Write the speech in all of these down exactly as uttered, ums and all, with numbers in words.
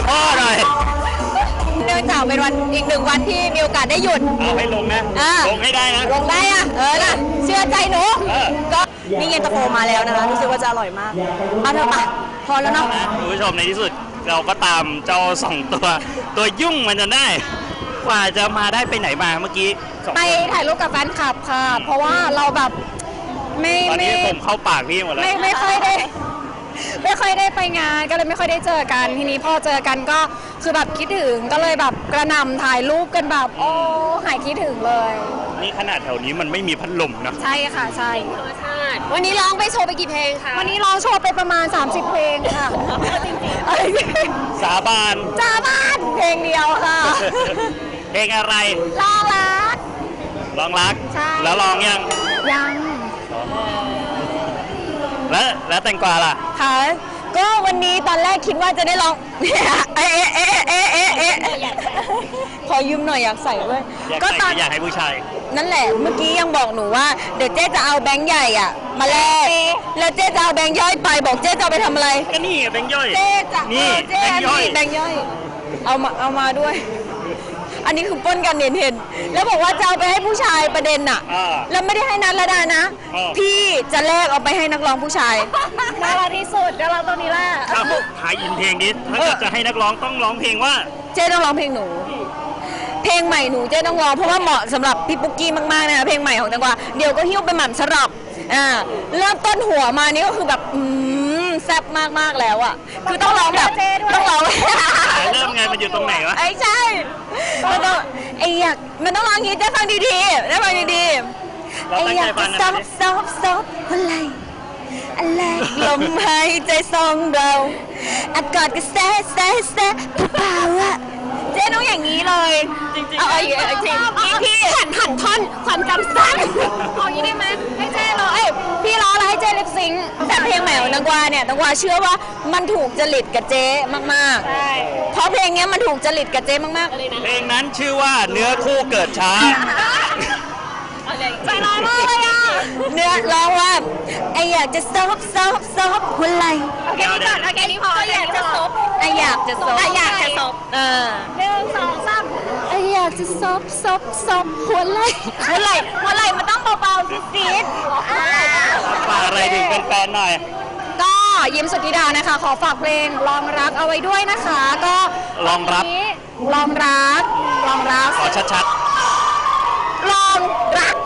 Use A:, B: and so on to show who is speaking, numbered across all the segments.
A: พ่อหน่อย
B: เนื่องจากเป็นวันอีกหนึ่งวันที่มีโอกาสได้หยุด
A: เอาให้ลงนะลงให้ได้นะ
B: ลงได้อะเออนะเชื่อใจหนูก็นี่เย็นตาโฟมาแล้วนะคะรู้สึกว่าจะอร่อยมากเอาเถอะปะพอแล้วเนาะ
A: คุณผู้ชมในที่สุดเราก็ตามเจ้าสองตัวตัวยุ่งมันจนได้กว่าจะมาได้ไปไหนมาเมื่อกี้
B: ไปถ่ายรูปกับแฟนคลับค่ะเพราะว่าเราแบบไม่
A: ตอนนี้ผมเข้าปากพี่หมดแล้ว
B: ไม่ไม่ค่อยได้ไม่ค่อยได้ไปงานก็เลยไม่ค่อยได้เจอกันทีนี้พอเจอกันก็คือแบบคิดถึงก็เลยแบบกระหน่ำถ่ายรูปกันแบบโอ้หายคิดถึงเลย
A: นี่ขนาดแถวนี้มันไม่มีพัดลมนะ
B: ใช่ค่ะใช่
C: วันนี้ร้องไปโชว์ไปกี่เพลงคะ
B: วันนี้ร้องโชว์ไปประมาณสามสิบเพลงค่ะ
A: สาบาน
B: สาบานเพลงเดียวค่ะ
A: เพลงอะไร
B: ลองรัก
A: ลองรักแล้วลองยัง
B: ยัง
A: แล้วแล้วแตงกวาล่ะ
B: ค่ะก็วันนี้ตอนแรกคิดว่าจะได้ลองเอ๊ะเอ๊ะเอ๊ะเอ๊ะเอ๊ะขอยืมหน่อยอยากใส่ด้วย
A: ก็ตอนอยากให้ผู้ชาย
B: นั่นแหละเมื่อกี้ยังบอกหนูว่าเดี๋ยวเจ๊จะเอาแบงค์ใหญ่อ่ะมาแลกแล้วเจ๊จะเอาแบงค์ย่อยไปบอกเจ๊จะเอาไปทำอะไร
A: ก็นี่แบงค์ย่อย
B: เจ๊จะ
A: นี่
B: แบงค์ย่อยแบงค์ย่อยเอามาเอามาด้วยอันนี้คือป้นกันเห็นเห็นแล้วบอกว่าจะเอาไปให้ผู้ชายประเด็นน่ะแล้วไม่ได้ให้นัทละดานะพี่จะแลกเอาไปให้นักร้องผู้ชายน่ารักที่สุดน่ารักตรงนี้แหละ
A: ถ้าถ่ายอินเพลงนี้ถ้าเกิดจะให้นักร้องต้องร้องเพลงว่า
B: เจ๊ต้องร้องเพลงหนูเพลงใหม่หนูเจ๊ต้องร้องเพราะว่าเหมาะสำหรับพี่ปุ๊กกี้มากๆนะเพลงใหม่ของแตงกวาเดี๋ยวก็หิ้วไปหม่ำสลับอ่าเริ่มต้นหัวมานี่ก็คือแบบอืมแซ่บมากๆแล้วอ่ะคือต้องร้องแบบต้องร้อง
A: เริ่มไงมันอยู่ตรงไหนวะ
B: ไอ้ใช่มันต้องไอ้อยากมันต้องร้องอย่างนี้เจ๊ฟังดีๆได้ฟังดีๆไอ้อยากจะซบซบซบอะไรอะไรลมหายใจสองเราอากาศก็แซ่แซ่แซ่เปล่าอะเจ๊ต้องอย่างนี้เลย
A: จริงๆ
B: เอาอีกจริงพี่หันหันท่อนความจำสั้นเอาอย่างนี้ได้ไหมให้เจ๊ร้องเอ้ยพี่ร้องแล้วให้เจ๊ลิปซิงค์แต่เพลงใหม่ของแตงกวาเนี่ยแตงกวาเชื่อว่ามันถูกจริตกับเจ๊มากๆใช่เพราะเพลงนี้มันถูกจริตกับเจ๊มาก
A: ๆเพลงนั้นชื่อว่าเนื้อคู่เกิดช้า
B: ใจร้ายมากเลยอ่ะเนื้อร้องว่าไออยากจะซบซบซบหัวไหล่
C: โอเคนี่ก่อนโอเคนี่พออยากจะซบ
B: ไออยากจะซบ
C: ไออยากจะซบ
B: เออ
C: หนึ่งสองสาม
B: ไออยากจะซบซบซบหัวไหล่หัวไหล่หัวไหล่มันต้องเบาๆสิซีด
A: ฝากอะไรถึงแฟนๆหน่อย
B: ก็ยิ้มสุทธิดานะคะขอฝากเพลงลองรักเอาไว้ด้วยนะคะก็
A: ลองรัก
B: ลองรักลองรัก
A: ขอชัด
B: ๆลองรัก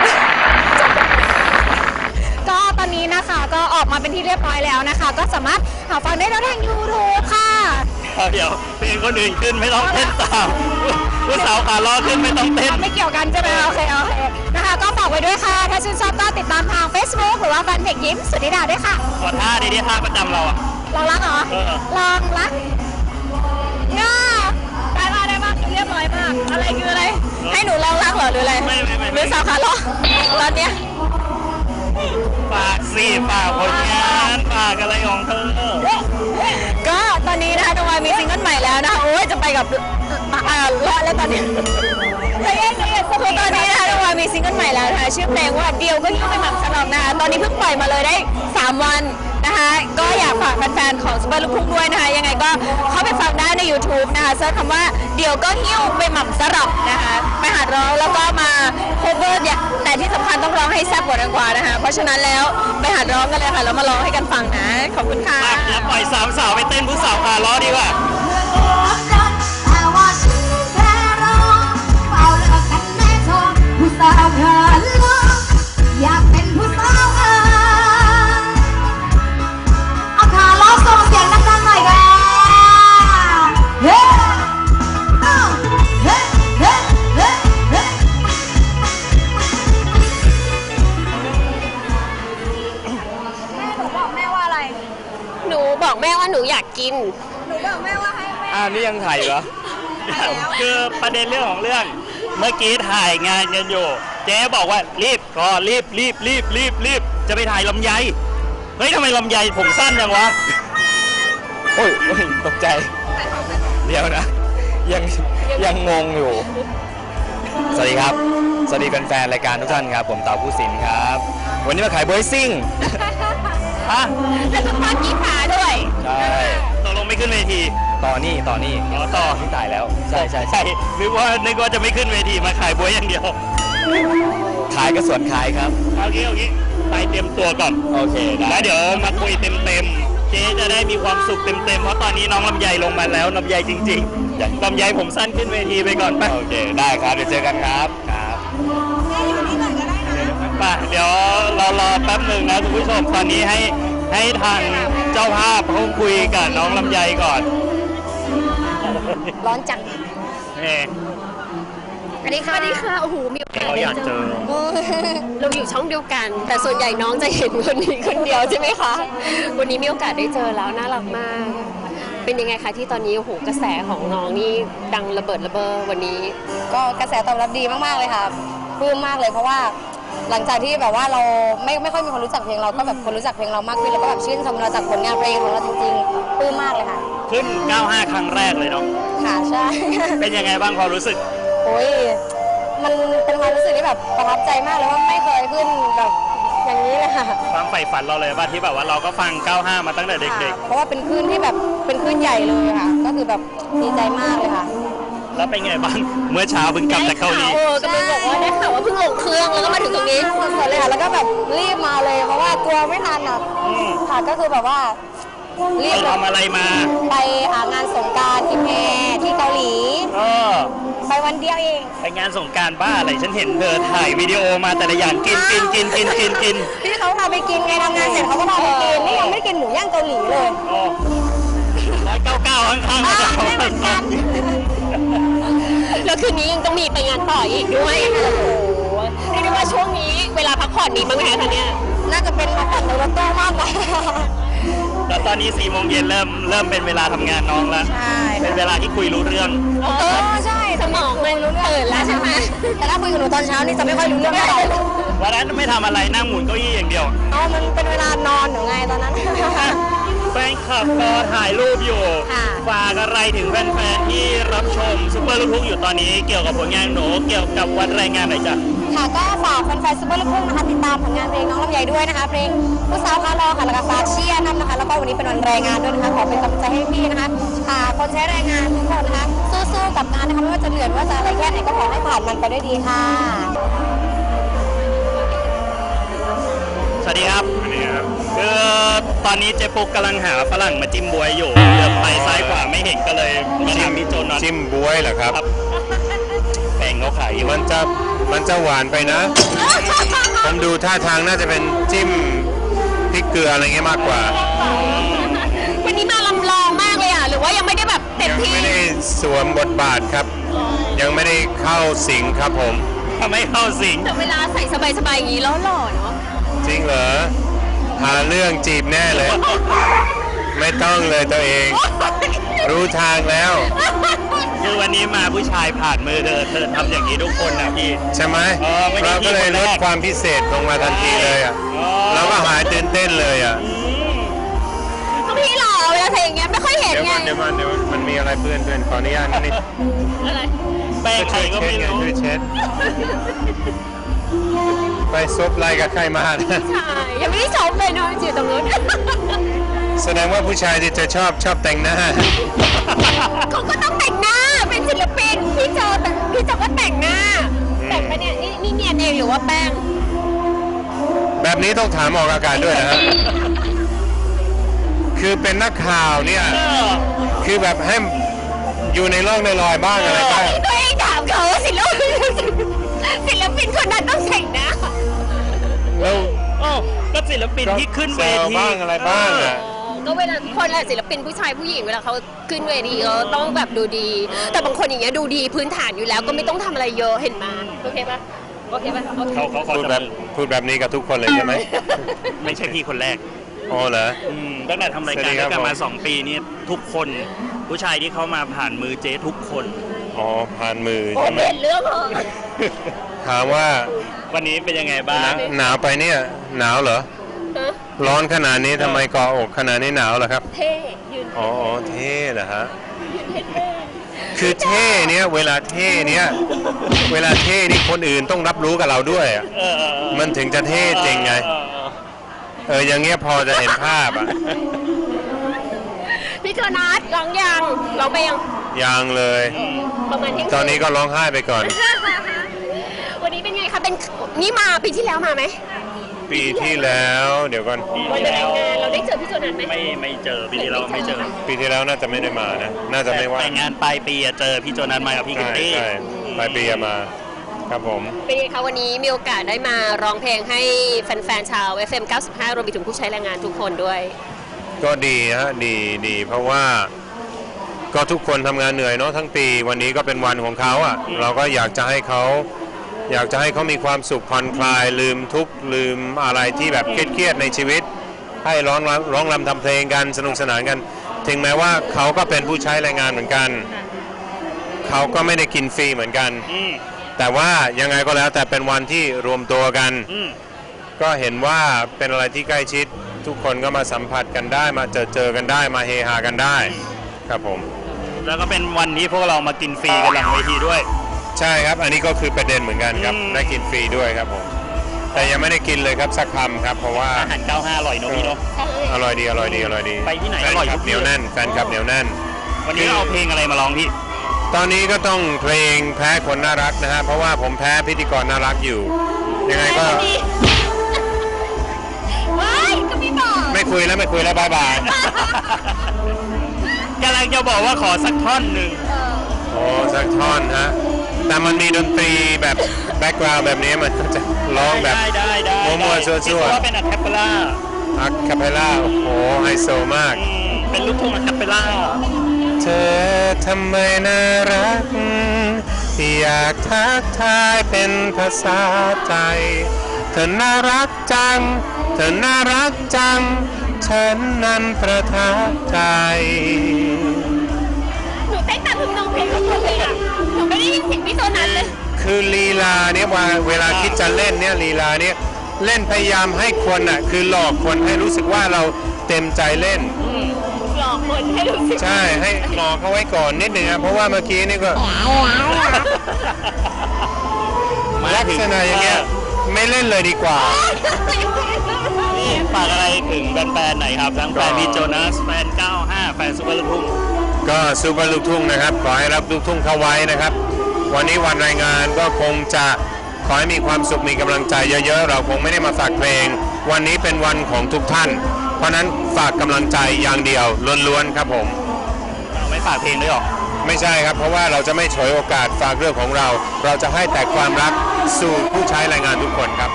B: ก็ตอนนี้นะคะก็ออกมาเป็นที่เรียบร้อยแล้วนะคะก็สามารถหาฟังได้แล้วทาง ยูทูบ ค่ะ
A: เดี๋ยวเพลงคนอื่นขึ้นไม่ต้องเต้นตามผู้สาวขาล้อขึ้นไม่ต้องเต้น
B: ไม่เกี่ยวกันใช่ไหมโอเคโอเคนะคะก็ฝากไว้ด้วยค่ะถ้าชื่นชอบก็ติดตามทาง Facebook หรือว่าแฟนเพจยิ้มสุทธิดาด้วยค่ะ
A: ขอท่าดีๆท่าประจำเราอะ
B: ลองรักเหรอลองรักง่าได้มาได้มาเรียบร้อยมากอะไรคืออะไรให้หนูลองรักเหรอหรืออะไรหรือสาวขาล้อตอนเนี้ย
A: ฝากสิฝากผลงานฝากอะไรของเธอ
B: ก็ตอนนี้นะคะตะวันมีซิงเกิลใหม่แล้วนะคะโอ้ยจะไปกับอ่ารอดแล้วตอนนี้ใจเย็นใจเย็นคือตอนนี้นะคะตะวันมีซิงเกิลใหม่แล้วนะคะชื่อเพลงว่าเดียวก็ยิ่งไปหมั่นสนองนะคะตอนนี้เพิ่งปล่อยมาเลยได้สามวันนะคะก็อยากฝากแฟนๆของซุปเปอร์ลูกทุ่งด้วยนะคะยังไงก็เข้าไปฟังได้ใน ยูทูบ นะคะเซิร์ชคำว่าเดี๋ยวก็หิ้วไปหม่ำสลับนะคะไปหัดร้องแล้วก็มาโคเวอร์เนี่ยแต่ที่สำคัญต้องร้องให้แซ่บกว่าดังกว่านะคะเพราะฉะนั้นแล้วไปหัดร้องกันเลยค่ะแล้วมาร้องให้กันฟังนะขอบคุณค่ะ
A: แล้วปล่อยสามสาวไปเต้นผู้สาวขาล้อดีกว่า
D: อยากเป็นผู้สาวเอาขาล้อส่งเสียงดังๆหน่อยค่ะเฮ้เฮ้เฮ้เฮ้เฮ้เฮ้แม่หนูบอกแม่ว่าอะไร
C: หนูบอกแม่ว่าหนูอยากกิน
D: หนูบอกแม่ว่าให้แม่
A: อ่านี่ยังถ่ายเหรอคือประเด็นเรื่องของเรื่องเมื่อกี้ถ่ายงานกันอยู่เจ๊บอกว่ารีบก็รีบรีบรีบรีบรีบจะไปถ่ายลำไยเฮ้ยทำไมลำไยผมสั้นจังวะโอ้ยตกใจเดี๋ยวนะยังยังงงอยู่สวัสดีครับสวัสดีแฟนๆรายการทุกท่านครับผมเต่าผู้สินครับวันนี้มาขายเบอร์ซิ่งฮะ
B: แล้วก็ทอดกีขาด้วย
A: ใช่ตกลงไม่ขึ้นขึ้นเวที
E: ต่อนี่ต่อนี่
A: อ๋อต่อ
E: ที่ตายแล้ว ใช่ใช่ใช่
A: ใช่นึกว่านึกว่าจะไม่ขึ้นเวทีมาขายบวยอย่างเดียว
E: ขายก็สวนขายครับ
A: เอางี้เอางี้ไปเตรียมตัวก่อน
E: โอเคได้
A: แล้วเดี๋ยวมาคุยเต็มๆเจ๊จะได้มีความสุขเต็มๆเพราะตอนนี้น้องลำไยลงมาแล้วลำไยจริงๆลำไยผมสั้นขึ้นเวทีไปก่อนไป
E: โอเค ได้ครับ เดี๋ยวเจอกันครับ ครับ
A: ไปเดี๋ยวเรารอแป๊บหนึ่งนะคุณผู้ชมตอนนี้ให้ให้ทางเจ้าภาพเขาคุยกับน้องลำไยก่อน
C: ร้อนจัง
A: นี่
C: สวัสดีค่ะสวัสดีค่ะ โอ้โห มีโอกาส
A: เขาอยากเจอ
C: เราอยู่ช่องเดียวกัน แต่ส่วนใหญ่น้องจะเห็นคนนี้คนเดียวใช่ไหมคะ วันนี้มีโอกาสได้เจอแล้วน่ารักมาก เป็นยังไงคะที่ตอนนี้โอ้โหกระแสของน้องนี่ดังระเบิดระเบ้อวันนี้
F: ก็กระแสตอบรับดีมากๆเลยค่ะปลื้มมากเลยเพราะว่าหลังจากที่แบบว่าเราไม่ไม่ค่อยมีคนรู้จักเพลงเราก็แบบคนรู้จักเพลงเรามากขึ้นแล้วก็แบบชื่นชมเราจากผลงานเพลงของเราจริงๆปลื้มมากเลยค่ะ
A: ขึ้น เก้าห้า ครั้งแรกเลยเนาะ
F: ค่ะใช่
A: เป็นยังไงบ้างความรู้สึก
F: โอ้ยมันเป็นความรู้สึกที่แบบประทับใจมากเลยว่าไม่เคยขึ้นแบบอย่างนี้เลยค่ะ
A: ความใฝ่ฝันเราเลยว่าที่แบบว่าเราก็ฟัง เก้าห้า มาตั้งแต่เด็ก
F: เพราะว่าเป็นคลื่นที่แบบเป็นคลื่นใหญ่เลยค่ะ ก็คือแบบดีใจมากเลยค่ะ
A: ๆ แล้วเป็นไงบ้าง เมื่อเช้าเพิ่งกลับจากเกาหลี
C: เออกำลังบอกว่าได้ข่าวว่าเพิ่งลงเครื่องแล้วก็มาถึงตรงนี้
F: สดๆเลยค่ะแล้วก็แบบรีบมาเลย เพราะว่ากลัวไม่ทันอ่ะ
A: อืม
F: ค่ะก็คือแบบว่ารี
A: ไป
F: บเลย
A: ทำอะไรมา
F: ไปอ่างานสงกรานต์กิมแพที่เกาหลี
A: เออ
F: ไปวันเดียวเอง
A: ไปงานสงกรารบ้าอะไร ฉันเห็นเธอถ่ายวิดีโอมาแต่ละอย่างกินกินกินกินกินกิน
F: ที่เขาพาไปกินไงทำงานเสร็จเขาก็พาไปกินนี่ยังไม่ได้กินหมูย่างเกาหลีเลย
A: โอ้ร้อยเก้าเก้าข้างๆ
F: อ่า
A: จะ
F: ไม่เหมือนกัน
C: แล้วคืนนี้ยังต้องมีไปงานต่ออีกด้วยโอ้โหเรียกได้ว่าช่วงนี้เวลาพักผ่อนมีบ้างไหมคะเนี่ย
F: น่าจะเป็นมาผ่อนในรถตู้มากกว่า
A: แล้วตอนนี้สี่โมงเย็นเริ่มเริ่มเป็นเวลาทำงานน้องแล้ว
F: ใช่
A: เป็นเวลาที่คุยรู้เรื่อง
F: เออใช่
C: สมองมันเปิดแล้วใช่ไหม
F: แต่ถ้าคุยกับหนูตอนเช้านี่จะไม่ค่อยรู้เรื่องเท่าไหร่
A: วันนั้นไม่ทำอะไรนั่งหมุนเก้าอี้อย่างเดียว
F: เอามันเป็นเวลานอนหนูไงตอนนั้น
A: แฟนคลับก็ถ่ายรูปอยู่
F: ค่ะ
A: ฝากอะไรถึงแฟนๆที่รับชมซุปเปอร์ลูกทุ่งอยู่ตอนนี้เกี่ยวกับผลงานหนูเกี่ยวกับวันแรงงานหน่อยจ้ะ
F: ค่ะก็ฝากแฟนๆซุปเปอร์ลูกทุ่งนะคะติดตามผลงานเพลงน้องลำไยด้วยนะคะเพลงผู้สาวคารอค่ะแล้วก็ฝากเชียร์นำนะคะแล้วก็วันนี้เป็นวันแรงงานด้วยนะคะขอเป็นกำลังใจให้พี่นะคะอ่าคนใช้แรงงานทุกคนนะคะสู้ๆกับงานนะคะไม่ว่าจะเหนื่อยไม่ว่าจะอะไรแค่ไหนก็ขอให้ผ่านมันไปด้วยดีค่ะ
A: สวัสดีครับคือตอนนี้เจ๊ปุ๊กกำลังหาฝรั่งมาจิ้มบวยอยู่เดินไปซ้ายขวาไม่เห็นก็เลยมาถามพี่โจนนท์
G: จิ้มบวยเหรอครับ
A: ครับแป้งเขาขายอยู่
G: มันจะมันจะหวานไปนะ ผมดูท่าทางน่าจะเป็นจิ้มพริกเกลืออะไรเงี้ยมากกว่า
C: วันนี้มาลำลองมากเลยอ่ะ หรือว่ายังไม่ได้แบบเต็ม
G: ยัง
C: ที่
G: ไม่ได้สวมบทบาทครับ ยังไม่ได้เข้าสิงครับผม
A: ทำไมเข้าสิง
C: แต่เวลาใส่สบายๆอย่างนี้แล้วหล่อเนาะ
G: จริงเหรอ หาเรื่องจีบแน่เลย ไม่ต้องเลยตัวเอง รู้ทางแล้ว
A: คือวันนี้มาผู้ชายผ่านมือเธอเธอทำอย่างนี้ทุกคนนะพี่
G: ใช่ไหม
A: เออไม่ได้
G: เราก็เลยลด
A: ที่คนแรก
G: ความพิเศษลงมาทันทีเลยอ่ะ
A: อ๋อ
G: เราก็หายตื่นเต้นเลยอ่ะ
C: ต้องพี่หล่อเวลาใส่อย่างเงี้ยไม่ค่อยเห็น
G: เดี๋ยว
C: ไง
G: มันเดี๋ยวมันเดี๋ยวมันมีอะไรเพื่อนเพื่อนขออนุญาตนิดนึง
C: อะไร
A: แป้งใครก็
G: ช่วย
A: ไม่
G: เช็ด
A: รู้
G: ช่วยเช็ด ไปซบไล่กับใครมา
C: ใช่ยังไม่ได้ชมเลยเนาะอยู่ตรงนู้น
G: แสดงว่าผู้ชายที่จะชอบชอบแต่งหน้า
C: เขาก็ต้องแต่งหน้าเป็นศิลปินพี่โจแต่พี่โจก็แต่งหน้า แต่งไปเนี่ยนี่นี่เนียนเองหรือว่าแป้ง
G: แบบนี้ต้องถามออกอากาศด้วยนะฮะ คือเป็นนักข่าวเนี่ย
A: เออ
G: คือแบบให้อยู่ในร่องในรอยบ้างอะไรบ้าง
C: ตัวเองถามเขาว่าศิลปินศิลปินคนนั้นต้องแต่งหน้า
G: แล้ว
A: โอ้ก็ศิลปินที่ขึ้นเว
G: แซว
A: ที
G: บ้างอะไรบ้างอ่ะ
C: ก็เวลาทุกคนแหละศิลปินผู้ชายผู้หญิงเวลาเขาขึ้นเวทีเขาต้องแบบดูดี แต่บางคนอย่างเงี้ยดูดีพื้นฐานอยู่แล้วก็ไม่ต้องทำอะไรเยอะเห็นมาโอเคปะโอเคปะโอเค
A: เขาเขาเขา
G: พูด
A: จะ
G: แบบพูดแบบนี้กับทุกคนเลยใช่ไหม
A: ไม่ใช่พี่คนแรก
G: อ๋อเหรอ
A: อืมตั้งแต่ทำราย
G: สวั
A: การ
G: สดีค
A: ด้
G: รั
A: ว
G: บ
A: ยกันมา
G: ผม
A: สองปีนี้ทุกคนผู้ชายที่เข้ามาผ่านมือเจ๊ทุกคน
G: อ๋อผ่านมือ
C: โอ้
G: ใช่ไหม
C: เห็นเรื่องเหรอ
G: ถามว่า
A: วันนี้เป็นยังไงบ้าง
G: หนาวไปเนี่ย หนาวเหรอ
C: ฮะ
G: ร้อนขนาดนี้ทำไมกออกขนาดนี้หนาวเหรอครับ
C: เท่ยืน
G: อ๋ออ๋อเท่เหรอฮะ คือเท่เนี้ยเวลาเท่เนี้ยเวลาเท่นี่คนอื่นต้องรับรู้กับเราด้วยอะ
A: เออเออเออ
G: มันถึงจะเท่จริงไง
A: เออเออ
G: เอออย่างเงี้ยพอจะเห็นภาพอ่ะ
C: พี่โจนัสร้องยังร้องไปยัง
G: ยังเลย
C: ประมาณเที่ยง
G: ตอนนี้ก็ร้องไห้ไปก่อน
C: วันนี้เป็นไงคะเป็นนี่มาปีที่แล้วมาไหม
G: ปีที่แล้วเดี๋ยวก่อน
A: ปี
C: วัน
A: ที่
C: ไป
A: แล้ว
C: งานเราได้เจอพี่โจนัสไหม
A: ไม่ไม่เจอปีที่แล้วไม่เจอ
G: ปีที่แล้วน่าจะไม่ได้มานะ น่าจะไม่ว่า
A: แต่งานปลายปีอะเจอพี่โจนัสมากับพี่กิต
G: ใช่
A: ตี้
G: ใช่ปลายปีอะมาครับผม
C: เป็นไงคะวันนี้มีโอกาสได้มาร้องเพลงให้แฟนๆชาว เอฟ เอ็ม เก้าสิบห้ารวมไปถึงผู้ใช้แรงงานทุกคนด้วย
G: ก็ดีฮะดีดีเพราะว่าก็ทุกคนทำงานเหนื่อยเนาะทั้งปีวันนี้ก็เป็นวันของเขาอ่ะเราก็อยากจะให้เขาอยากจะให้เขามีความสุขผ่อนคลายลืมทุกข์ลืมอะไรที่แบบเครียดๆในชีวิต ให้ร้องรำร้องรำทำเพลงกันสนุกสนานกัน ถึงแม้ว่าเขาก็เป็นผู้ใช้แรงงานเหมือนกัน เขาก็ไม่ได้กินฟรีเหมือนกัน
A: อืม
G: แต่ว่ายังไงก็แล้วแต่เป็นวันที่รวมตัวกัน
A: อืม
G: ก็เห็นว่าเป็นอะไรที่ใกล้ชิด ทุกคนก็มาสัมผัสกันได้มาเจอเจอกันได้มาเฮฮากันได้ครับผม
A: แล้วก็เป็นวันนี้พวกเรามากินฟรีกันหลังเวทีด้วย
G: ใช่ครับอันนี้ก็คือประเด็นเหมือนกันครับ
A: อืม
G: ได้กินฟรีด้วยครับผมแต่ยังไม่ได้กินเลยครับสักคำครับเพราะว่า
A: อาหารเก้าห้าอร่อยเนอะพี่เนอะ
G: อร่อยดีอร่อยดีอร่อยดี
A: ไปที่ไหน
G: แฟ
A: อนร่อย
G: ค
A: ทุ
G: ลับ
A: ก
G: เห
A: ที่
G: นียวแน่นแฟนคลับเหนียวแน่น
A: วันนี้เราเอาเพลงอะไรมาร้องพี่
G: ตอนนี้ก็ต้องเพลงแพ้คนน่ารักนะฮะเพราะว่าผมแพ้พิธีกรน่ารักอยู่ ยังไงก็
C: ว้ายก็ไม่บอก
G: ไม่คุยแล้วไม่คุยแล้วบายบาย
A: กำลังจะบอกว่าขอสักท่อนหนึ่ง
G: โอ้สักท่อนฮะแต่มันมีดนตรีแบบแบ็กกราวด์แบบนี้มันก็จะร้องแบบ
A: ได้ได้ได้
G: มั่วๆซั่วๆ
A: คิดว่าเป็นอะแคปเปล่า
G: อะคาเปล่าโอ้โหไฮโซมาก
A: อืมเป็นลูกทุ่งอะแคปเปล่า
G: เธอทำไมน่ารัก อยากทักทายเป็นภาษาไทย เธอน่ารักจัง เธอน่ารักจัง ฉันนั้นประทับใจ
C: หนูเต้นตามทุกน้องเพลงทุกคนเลยอ่ะหนูไม่ได้ยินเสียงพี่โจนัสเลย
G: คือลีลาเนี่ยว่าเวลาคิดจะเล่นเนี่ยลีลาเนี่ยเล่นพยายามให้คนอ่ะคือหลอกคนให้รู้สึกว่าเราเต็มใจเล่น
C: หลอกคนให้รู้สึก
G: ใช่ให้หลอกเขาไว้ก่อนนิดหนึ่งครับเพราะว่าเมื่อกี้นี่ก็ลักษณะอย่างเงี้ยไม่เล่นเลยดีกว่า
A: นี่ฝากอะไรถึงแฟนๆหน่อยครับ ทั้งแฟนพี่โจนัสแฟนเก้าห้าแฟนซูเปอร์ลูกทุ่ง
G: ก็ซูเปอร์ลูกทุ่งนะครับขอให้รับลูกทุ่งเข้าไว้นะครับ วันนี้วันรายงานก็คงจะขอให้มีความสุขมีกำลังใจเยอะๆเราคงไม่ได้มาฝากเพลง วันนี้เป็นวันของทุกท่าน เพราะนั้นฝากกำลังใจอย่างเดียวล้วนๆครับผม
A: เราไม่ฝากเพลงด้วยหรอ
G: ไม่ใช่ครับเพราะว่าเราจะไม่ฉวยโอกาสฝากเรื่องของเรา เราจะให้แต่ความรักสู่ผู้ใช้แรงงานทุกคนครับ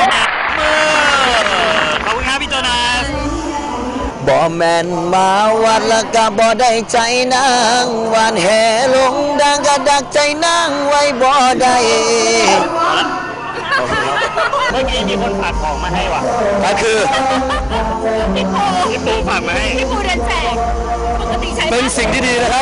A: ขอบคุณครับพี่โจนัส
H: บ่แม่นมาวัดแล้วก็บ่ได้ใจนางหวานแห่ลงดังก็ดักใจนางไว้บ่ได้
A: เมื่อกี้มีคนฝากของมาให้ว่ะ
H: ก็คือ
A: พี่ปูฝากมาให้
C: พี่ปูเดินแจกปกติใช้
H: เป็นสิ่งที่ดีนะครับ